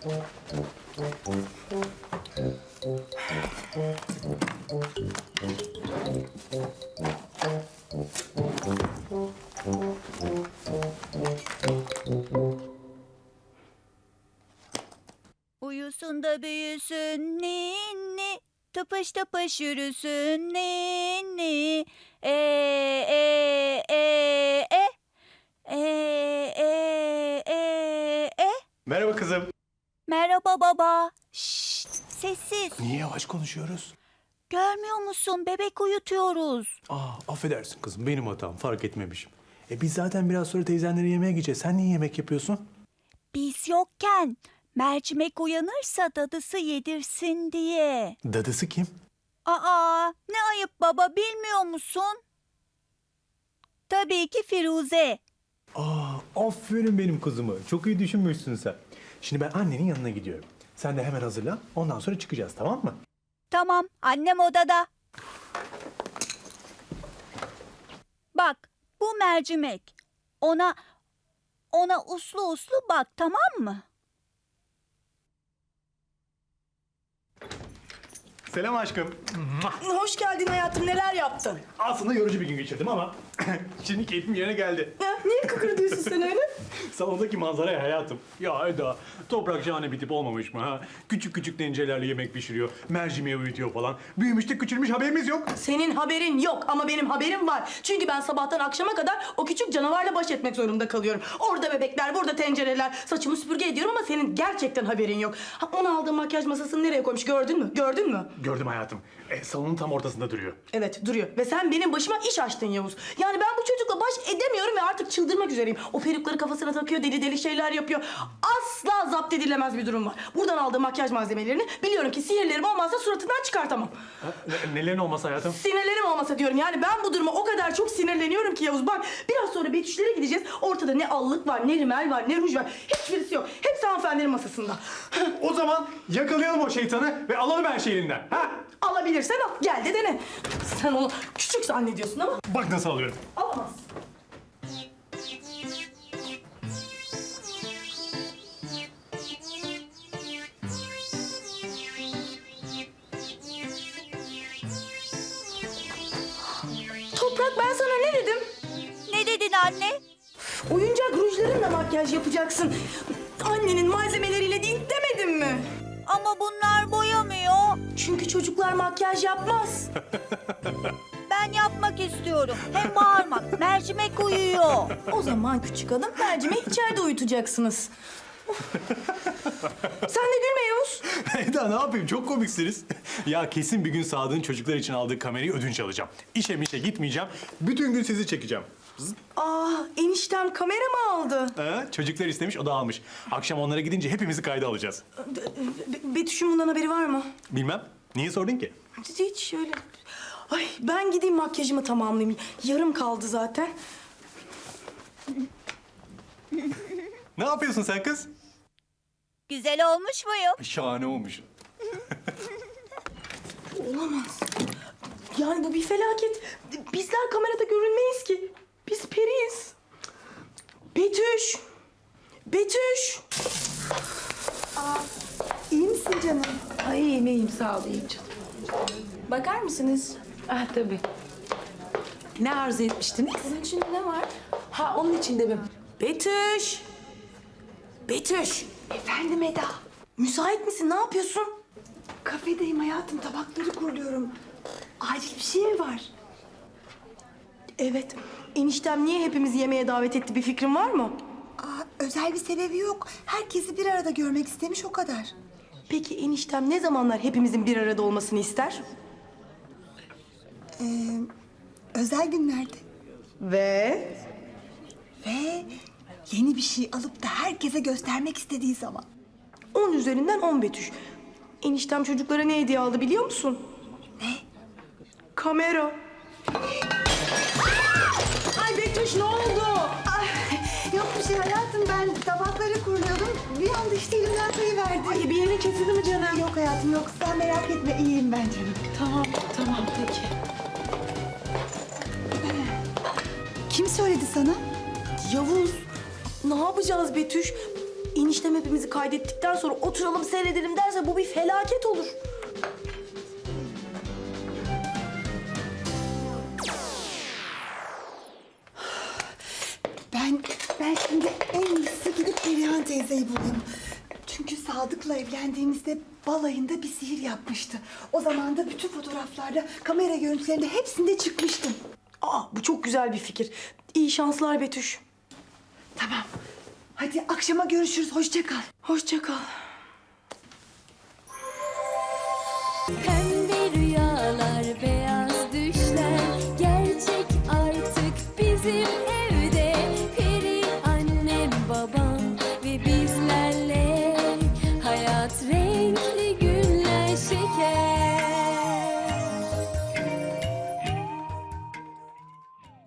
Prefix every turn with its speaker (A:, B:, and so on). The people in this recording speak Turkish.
A: Uyusun da büyüsün ninni, tıpış tıpış yürüsün ninni. E e e e e e e e.
B: Merhaba kızım.
A: Merhaba baba. Şşt, sessiz.
B: Niye yavaş konuşuyoruz?
A: Görmüyor musun? Bebek uyutuyoruz.
B: Affedersin kızım, benim hatam, fark etmemişim. Biz zaten biraz sonra teyzenlere yemeğe gideceğiz. Sen niye yemek yapıyorsun?
A: Biz yokken mercimek uyanırsa dadısı yedirsin diye.
B: Dadısı kim?
A: Aa, ne ayıp baba, bilmiyor musun? Tabii ki Firuze.
B: Aferin benim kızımı. Çok iyi düşünmüşsün sen. Şimdi ben annenin yanına gidiyorum. Sen de hemen hazırlan. Ondan sonra çıkacağız, tamam mı?
A: Tamam, annem odada. Bak, bu mercimek. Ona uslu uslu bak, tamam mı?
B: Selam aşkım.
C: Hoş geldin hayatım. Neler yaptın?
B: Aslında yorucu bir gün geçirdim ama şimdi keyfim yerine geldi.
C: Ha, niye kıkırdıyorsun sen öyle?
B: Salondaki manzaraya hayatım. Ya Eda, toprak şahane bir tip olmamış mı ha? Küçük küçük tencerelerle yemek pişiriyor, mercimeği uyutuyor falan. Büyümüş de küçülmüş, haberimiz yok.
C: Senin haberin yok ama benim haberim var. Çünkü ben sabahtan akşama kadar o küçük canavarla baş etmek zorunda kalıyorum. Orada bebekler, burada tencereler. Saçımı süpürge ediyorum ama senin gerçekten haberin yok. Ha, onu aldığım makyaj masasını nereye koymuş gördün mü? Gördün mü?
B: Gördüm hayatım. Salonun tam ortasında duruyor.
C: Evet duruyor ve sen benim başıma iş açtın Yavuz. Yani ben bu çocukla baş edemiyorum ve artık çıldırmak üzereyim. O perukları kafasına takıyor, deli deli şeyler yapıyor. Asla zapt edilemez bir durum var. Buradan aldığım makyaj malzemelerini biliyorum ki sihirlerim olmazsa suratından çıkartamam.
B: Nelerin olması hayatım?
C: Sinirlerim olmasa diyorum. Yani ben bu duruma o kadar çok sinirleniyorum ki Yavuz. Bak biraz sonra Betüşlere gideceğiz. Ortada ne allık var, ne rimel var, ne ruj var. Hiçbirisi yok. Hepsi hanımefendinin masasında.
B: O zaman yakalayalım o şeytanı ve alalım her şeyi elinden. Ha?
C: Alabilirsen al. Gel de dene. Sen onu küçük zannediyorsun ama
B: Bak nasıl alıyorum.
C: alamazsın. Toprak ben sana ne dedim?
A: Ne dedin anne?
C: Oyuncak rujlarınla makyaj yapacaksın. Annenin malzemeleriyle değil demedim mi?
A: Ama bunlar boyamıyor.
C: Çünkü çocuklar makyaj yapmaz.
A: Ben yapmak istiyorum. Hem bağırmak. Mercimek uyuyor.
C: O zaman küçük hanım mercimeği içeride uyutacaksınız. Sen de gülme Yavuz.
B: Eda ne yapayım, çok komiksiniz. Ya kesin bir gün Sadık'ın çocuklar için aldığı kamerayı ödünç alacağım. İşe mişe gitmeyeceğim. Bütün gün sizi çekeceğim.
C: Eniştem kamera mı aldı?
B: Çocuklar istemiş, o da almış. Akşam onlara gidince hepimizi kayda alacağız.
C: Betüş'ün bundan haberi var mı?
B: Bilmem. Niye sordun ki?
C: Hiç şöyle. Ay ben gideyim makyajımı tamamlayayım. Yarım kaldı zaten.
B: Ne yapıyorsun sen kız?
A: Güzel olmuş muyum?
B: Şahane olmuş.
C: Olamaz. Yani bu bir felaket. Bizler kamerada görünmeyiz ki. Biz periyiz. Betüş. Betüş.
D: İyi misin canım? Ay iyiyim sağ ol iyiyim canım.
C: Bakar mısınız?
D: Ah tabii. Ne arzu etmiştiniz?
C: Bunun içinde ne var?
D: Ha onun içinde mi?
C: Betüş. Betüş.
D: Efendim Eda.
C: Müsait misin? Ne yapıyorsun?
D: Kafedeyim hayatım tabakları kuruluyorum. Acil bir şey mi var?
C: Evet. Eniştem niye hepimizi yemeğe davet etti? Bir fikrin var mı?
E: Özel bir sebebi yok. Herkesi bir arada görmek istemiş o kadar.
C: Peki eniştem ne zamanlar hepimizin bir arada olmasını ister?
E: Özel günlerde.
C: Ve?
E: Ve yeni bir şey alıp da herkese göstermek istediği zaman.
C: 10 üzerinden 10 Betüş. Eniştem çocuklara ne hediye aldı biliyor musun?
E: Ne?
C: Kamera. Ay Betüş ne oldu?
E: Ay, yok bir şey hayatım, ben tabakları kuruluyordum. Bir anda işte elimden kayıverdi.
C: Ay bir yerin kesildi mi canım?
E: Yok hayatım yok, sen merak etme, iyiyim ben canım.
C: Tamam peki.
E: Kim söyledi sana?
C: Yavuz ne yapacağız Betüş? eniştem hepimizi kaydettikten sonra oturalım seyredelim derse bu bir felaket olur.
E: Ben şimdi en iyisi gidip Perihan teyzeyi bulayım. Çünkü Sadık'la evlendiğimizde balayında bir sihir yapmıştı. O zaman da bütün fotoğraflarda, kamera görüntülerinde hepsinde çıkmıştım.
C: Bu çok güzel bir fikir. İyi şanslar Betüş.
E: Tamam. Hadi akşama görüşürüz. Hoşça kal.
C: Hoşça kal.